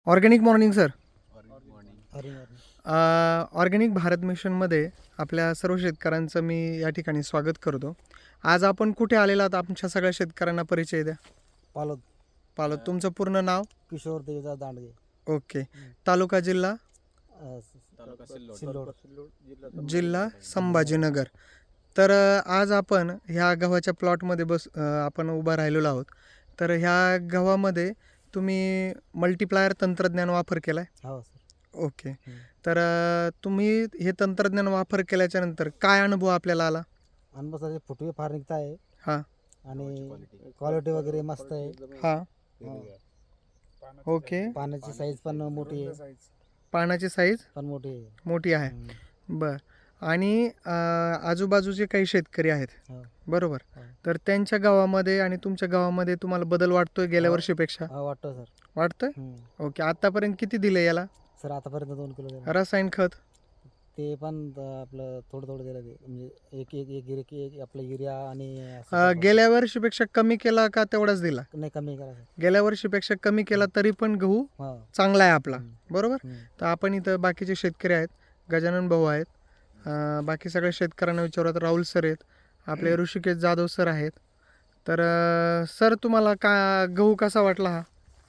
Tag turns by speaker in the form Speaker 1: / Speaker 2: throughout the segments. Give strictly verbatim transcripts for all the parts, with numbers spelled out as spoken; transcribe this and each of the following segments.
Speaker 1: Organic morning sir.
Speaker 2: Morning.
Speaker 1: Organic Bharat मिशनमध्ये आपल्या सर्व शेतकऱ्यांचं मी या ठिकाणी स्वागत करतो. आज आपण कुठे आलेला आहात? आमच्या सगळ्या शेतकऱ्यांना परिचय द्या.
Speaker 2: पालोद.
Speaker 1: पालत. तुमचं पूर्ण नाव?
Speaker 2: किशोर देवदास दांडगे.
Speaker 1: ओके. तालुका जिल्हा?
Speaker 2: अ,
Speaker 3: तालुका सिल्लोड.
Speaker 2: सिल्लोड.
Speaker 1: जिल्हा संभाजीनगर. तर अ, आज आपण ह्या गव्हाच्या प्लॉटमध्ये बस अ, आपण उभा राहिलेलो आहोत. तर ह्या गव्हामध्ये तुम्ही मल्टीप्लायर तंत्रज्ञान वापर केला आहे?
Speaker 2: हो सर.
Speaker 1: ओके.
Speaker 2: हम्म.
Speaker 1: तर अ, तुम्ही हे तंत्रज्ञान वापर केल्याच्या नंतर काय अनुभव आपल्याला आला?
Speaker 2: अनुभव सर फुटवे फार निघत आहे
Speaker 1: हां
Speaker 2: आणि क्वालिटी वगैरे मस्त आहे.
Speaker 1: हां
Speaker 2: हो.
Speaker 1: ओके.
Speaker 2: पाण्याची साईज पण मोठी आहे.
Speaker 1: पानाची साईज
Speaker 2: पण मोठी आहे.
Speaker 1: मोठी आहे.
Speaker 2: हम्म.
Speaker 1: बर. आणि अ, आजूबाजूचे काही शेतकरी आहेत
Speaker 2: हो.
Speaker 1: बरोबर,
Speaker 2: हो.
Speaker 1: तर त्यांच्या गावामध्ये आणि तुमच्या गावामध्ये तुम्हाला बदल वाटतोय गेल्या
Speaker 2: हो.
Speaker 1: वर्षीपेक्षा?
Speaker 2: हो, वाटतं सर.
Speaker 1: वाटतंय.
Speaker 2: हम्म.
Speaker 1: ओके. आतापर्यंत किती दिले याला
Speaker 2: सर आतापर्यंत दोन किलो दिलं.
Speaker 1: रसायन खत?
Speaker 2: ते पण अ, आपलं थोडं थोडं दिलं ते म्हणजे एक एक एक गिरे की एक आपलं युरिया आणि असं
Speaker 1: अ,
Speaker 2: टाकायचं.
Speaker 1: गेल्या वर्षीपेक्षा कमी केला का तेवढाच दिला?
Speaker 2: नाही कमी करा सर.
Speaker 1: गेल्या वर्षीपेक्षा कमी केला तरी पण गहू
Speaker 2: हो.
Speaker 1: चांगला आहे आपला
Speaker 2: हम्म.
Speaker 1: बरोबर.
Speaker 2: हम्म.
Speaker 1: तर आपण इथं बाकीचे शेतकरी आहेत, गजानन भाऊ आहेत, अं, बाकी सगळ्या शेतकऱ्यांना विचारत राहुल सर आहेत, आपले ऋषिकेश जाधव सर आहेत. तर अं, सर तुम्हाला का गहू कसा वाटला हा?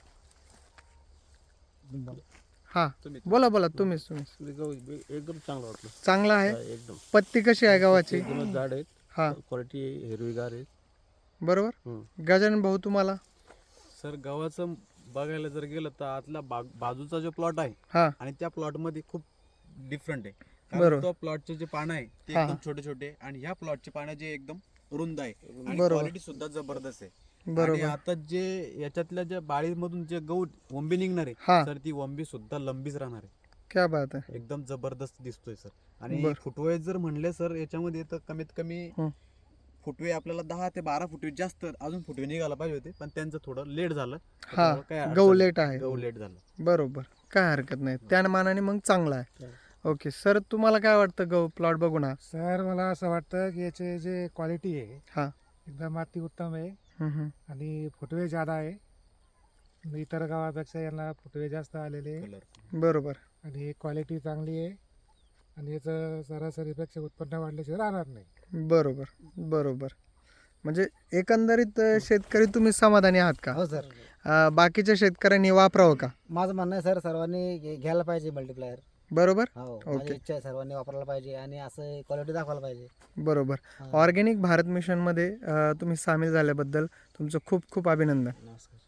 Speaker 1: हा
Speaker 3: तुम्ही-
Speaker 1: बोला बोला तुम्हीच तुम्हीच.
Speaker 3: एकदम चांगलं वाटलं.
Speaker 1: चांगला आहे.
Speaker 3: एकदम
Speaker 1: पत्ती कशी आहे गव्हाची?
Speaker 3: एकदमच जाड आहेत.
Speaker 1: हा
Speaker 3: क्वालिटी हिरवीगार आहे.
Speaker 1: बरोबर.
Speaker 3: हम्म.
Speaker 1: गजानन भाऊ तुम्हाला?
Speaker 3: सर गव्हाचं बघायला जर गेलं तर आतला बाग बाजूचा जो प्लॉट आहे
Speaker 1: हा
Speaker 3: आणि त्या प्लॉट मध्ये खूप डिफरंट आहे.
Speaker 1: बरोबर.
Speaker 3: कारण तो प्लॉटचे जे पानं आहे ते
Speaker 1: हा,
Speaker 3: एकदम
Speaker 1: हा.
Speaker 3: छोटे छोटे आणि ह्या प्लॉटचे पानं जे एकदम रुंद आहे आणि
Speaker 1: बरोबर.
Speaker 3: क्वालिटी सुद्धा जबरदस्त आहे. आणि
Speaker 1: बरोबर.
Speaker 3: आता जे याच्यातल्या ज्या बाळीमधून जे गहू वंबी निघणार
Speaker 1: हा.
Speaker 3: आहे सर ती वंबी सुद्धा लंबीच राहणार आहे.
Speaker 1: क्या बात आहे.
Speaker 3: एकदम जबरदस्त दिसतोय सर. आणि
Speaker 1: बर.
Speaker 3: फुटवे जर म्हणले सर याच्यामध्ये तर कमीत कमी
Speaker 1: हं.
Speaker 3: फुटवे आपल्याला दहा ते बारा फुटवे जास्त अजून फुटवे निघायला पाहिजे होते पण त्यांचं थोडं लेट झालं.
Speaker 1: हा
Speaker 3: त्यामुळे काही अडचण
Speaker 1: गहू
Speaker 3: नाही.
Speaker 1: लेट आहे.
Speaker 3: गहू लेट झालं.
Speaker 1: बरोबर. काय हरकत नाही, त्या मानाने मग चांगला आहे. ओके सर, तुम्हाला काय वाटतं गहू प्लॉट बघून हा?
Speaker 4: सर मला असं वाटतं की याचे जे क्वालिटी आहे
Speaker 1: हा.
Speaker 4: एकदम अति उत्तम आहे
Speaker 1: हम्म, हम्म.
Speaker 4: आणि फुटवे जादा आहे. इतर गावापेक्षा यांना फुटवे जास्त आलेले आहे
Speaker 3: कलर
Speaker 1: बरोबर.
Speaker 4: आणि क्वालिटी चांगली आहे आणि याचं सरासरीपेक्षा उत्पन्न वाढल्याशिवाय राहणार नाही.
Speaker 1: बरोबर बरोबर. म्हणजे एकंदरीत अ, शेतकरी तुम्ही समाधानी आहात का?
Speaker 2: हो सर.
Speaker 1: अ, बाकीच्या शेतकऱ्यांनी वापरावं का?
Speaker 2: माझं म्हणणं आहे सर सर्वांनी घे- घ्यायला पाहिजे मल्टीप्लायर.
Speaker 1: बरोबर
Speaker 2: हो
Speaker 1: ओके.
Speaker 2: माझी इच्छा आहे सर्वांनी वापरायला पाहिजे आणि असं क्वालिटी दाखवायला पाहिजे.
Speaker 1: बरोबर.
Speaker 2: हा.
Speaker 1: ऑर्गॅनिक भारत मिशनमध्ये अ, तुम्ही सामील झाल्याबद्दल तुमचं खूप खूप अभिनंदन.
Speaker 2: नमस्कार.